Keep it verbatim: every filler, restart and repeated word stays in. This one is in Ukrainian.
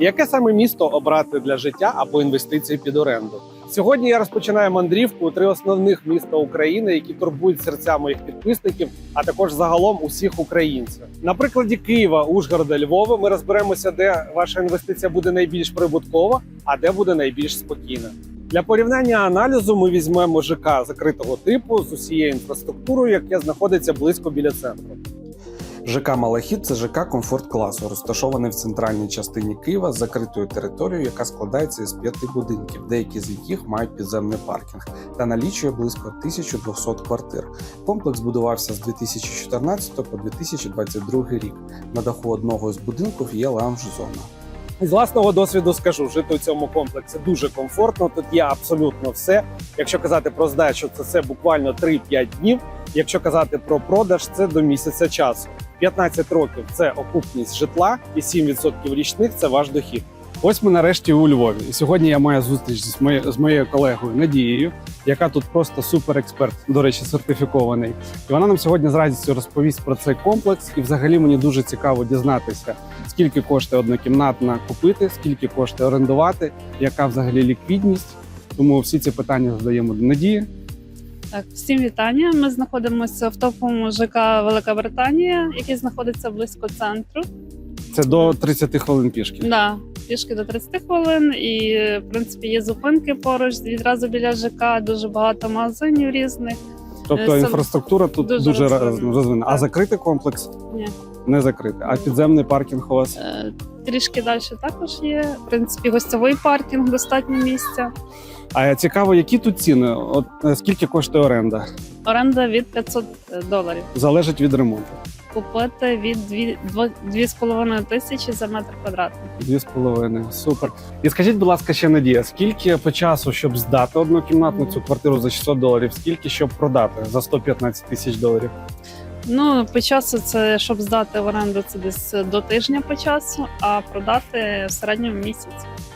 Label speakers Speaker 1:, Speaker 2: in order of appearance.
Speaker 1: Яке саме місто обрати для життя або інвестицій під оренду? Сьогодні я розпочинаю мандрівку у три основних міста України, які турбують серця моїх підписників, а також загалом усіх українців. На прикладі Києва, Ужгорода, Львова ми розберемося, де ваша інвестиція буде найбільш прибуткова, а де буде найбільш спокійна. Для порівняння аналізу ми візьмемо ЖК закритого типу з усією інфраструктурою, яке знаходиться близько біля центру. ЖК Малахіт – це ЖК комфорт-класу, розташований в центральній частині Києва з закритою територією, яка складається із п'яти будинків, деякі з яких мають підземний паркінг, та налічує близько тисяча двісті квартир. Комплекс будувався з дві тисячі чотирнадцятого по дві тисячі двадцять другий рік. На даху одного з будинків є лаунж-зона. З власного досвіду скажу, жити у цьому комплексі дуже комфортно, тут є абсолютно все. Якщо казати про здачу, це все буквально три-п'ять днів. Якщо казати про продаж, це до місяця часу. п'ятнадцять років – це окупність житла і сім відсотків річних – це ваш дохід. Ось ми нарешті у Львові. І сьогодні я маю зустріч з моєю, з моєю колегою Надією, яка тут просто суперексперт, до речі, сертифікований. І вона нам сьогодні з радістю розповість про цей комплекс. І взагалі мені дуже цікаво дізнатися, скільки коштує однокімнатна купити, скільки коштує орендувати, яка взагалі ліквідність. Тому всі ці питання задаємо до Надії.
Speaker 2: Так, всім вітання. Ми знаходимося в топовому ЖК Велика Британія, який знаходиться близько центру.
Speaker 1: Це до тридцяти хвилин пішки.
Speaker 2: Так, да, пішки до тридцяти хвилин. І, в принципі, є зупинки поруч, відразу біля ЖК, дуже багато магазинів різних.
Speaker 1: Тобто
Speaker 2: Е,
Speaker 1: інфраструктура тут
Speaker 2: дуже
Speaker 1: дуже
Speaker 2: розвинена.
Speaker 1: розвинена. А
Speaker 2: Так.
Speaker 1: закритий комплекс?
Speaker 2: Ні.
Speaker 1: Не закритий. А підземний паркінг у вас?
Speaker 2: Е, Трішки далі також є. В принципі, гостьовий паркінг, достатньо місця.
Speaker 1: А цікаво, які тут ціни? От е, скільки коштує оренда?
Speaker 2: Оренда від п'ятсот доларів.
Speaker 1: Залежить від ремонту.
Speaker 2: Купити від дві з половиною тисячі за метр квадратний.
Speaker 1: Дві з половиною. Супер. І скажіть, будь ласка, ще Надія, скільки по часу, щоб здати однокімнатну цю квартиру за шістсот доларів, скільки щоб продати за сто п'ятнадцять тисяч доларів?
Speaker 2: Ну, по часу це, щоб здати в оренду, це десь до тижня по часу, а продати в середньому місяць.